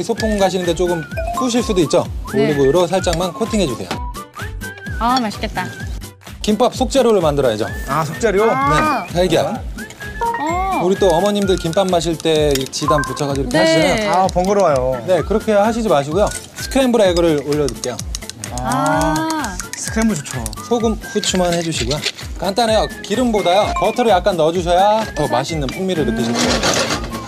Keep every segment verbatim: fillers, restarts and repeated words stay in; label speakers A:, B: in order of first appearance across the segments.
A: 소풍 가시는데 조금 푸실 수도 있죠?
B: 네.
A: 올리브유로 살짝만 코팅해주세요.
B: 아, 맛있겠다.
A: 김밥 속재료를 만들어야죠.
C: 아, 속재료?
B: 아.
A: 네, 달걀.
B: 어.
A: 우리 또 어머님들 김밥 마실 때 지단 붙여가지고 이렇게
B: 네.
A: 하시잖아요.
C: 아, 번거로워요.
A: 네, 그렇게 하시지 마시고요. 스크램블 에그를 올려둘게요.
B: 아.
C: 스크램블 좋죠.
A: 소금, 후추만 해주시고요. 간단해요. 기름보다요. 버터를 약간 넣어주셔야 더 맛있는 풍미를 느끼실 거예요.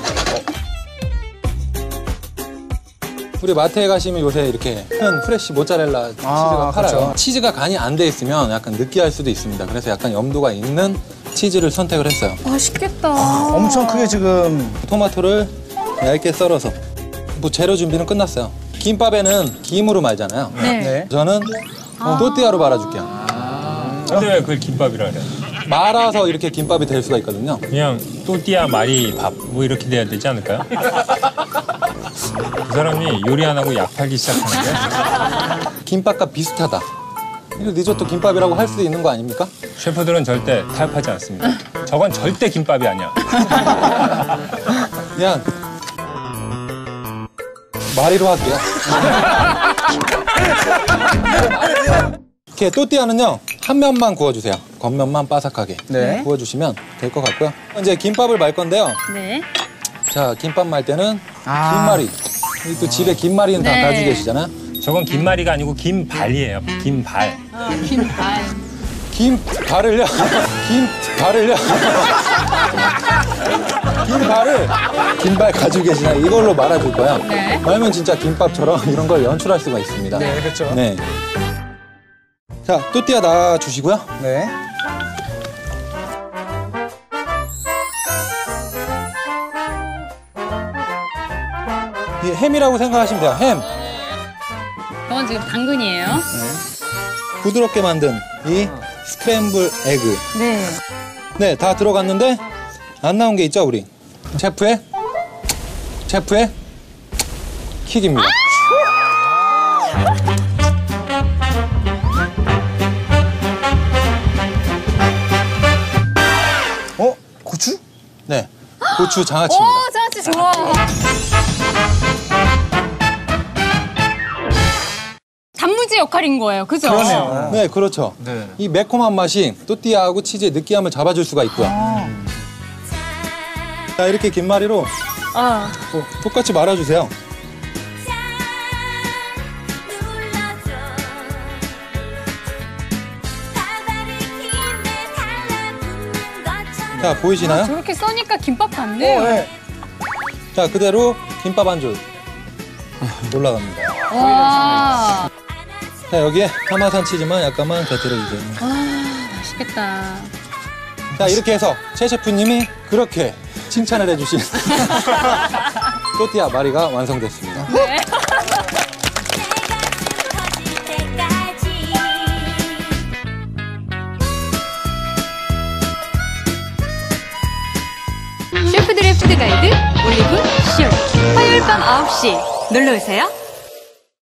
A: 우리 마트에 가시면 요새 이렇게 큰 프레쉬 모짜렐라 치즈가
C: 아,
A: 팔아요.
C: 그렇죠.
A: 치즈가 간이 안 돼 있으면 약간 느끼할 수도 있습니다. 그래서 약간 염도가 있는 치즈를 선택을 했어요.
B: 맛있겠다.
C: 엄청 크게 지금.
A: 토마토를 얇게 썰어서. 뭐 재료 준비는 끝났어요. 김밥에는 김으로 말잖아요.
B: 네.
C: 네.
A: 저는 또띠아로 말아줄게요.
D: 근데 왜 그걸 김밥이라 그래?
A: 말아서 이렇게 김밥이 될 수가 있거든요.
D: 그냥 또띠아 말이 밥 뭐 이렇게 돼야 되지 않을까요? 그 사람이 요리 안 하고 약 팔기 시작하는데
A: 김밥과 비슷하다. 이거 리조또 김밥이라고 할 수도 있는 거 아닙니까?
D: 셰프들은 절대 타협하지 않습니다. 저건 절대 김밥이 아니야.
A: 그냥 마리로 할게요. 이렇게 또띠아는요 한 면만 구워주세요. 겉면만 바삭하게
C: 네.
A: 구워주시면 될 것 같고요. 이제 김밥을 말 건데요.
B: 네.
A: 자, 김밥 말 때는
C: 아.
A: 김말이. 여기 또 집에 김말이는 다
B: 네.
A: 가지고 계시잖아요.
D: 저건 김말이가 아니고 김발이에요. 김발.
B: 아, 김발.
A: 김발을요? 김발을요? 김발을 김발 가지고 계시나요? 이걸로 말아줄 거야.
B: 네.
A: 말면 진짜 김밥처럼 이런 걸 연출할 수가 있습니다.
C: 네, 그렇죠.
A: 네. 자, 또띠아 놔주시고요.
C: 네.
A: 이 햄이라고 생각하시면 돼요. 햄.
B: 이건 지금 당근이에요.
A: 부드럽게 만든 이 스크램블 에그.
B: 네.
A: 네, 다 들어갔는데 안 나온 게 있죠, 우리? 셰프의 셰프의 킥입니다.
C: 어? 고추?
A: 네, 고추 장아찌입니다.
B: 오, 장아찌 좋아. 단무지 역할인 거예요, 그죠?
C: 그러네요.
A: 네, 그렇죠.
C: 네.
A: 이 매콤한 맛이 또띠아하고 치즈의 느끼함을 잡아줄 수가 있고요. 자, 이렇게 김말이로
B: 아.
A: 어, 똑같이 말아주세요. 자, 보이시나요?
B: 저렇게 써니까 김밥 같네.
C: 어, 네.
A: 자, 그대로 김밥 한 줄 올라갑니다.
B: 와.
A: 자, 여기에 파마산 치즈만 약간만 곁들여주세요.
B: 아, 맛있겠다.
A: 자, 이렇게 해서 최 셰프님이 그렇게 칭찬을 해주신 또띠아 마리가 완성됐습니다.
B: 네. 셰프들의 푸드 가이드 올리브 쇼 화요일 밤 아홉 시 놀러오세요.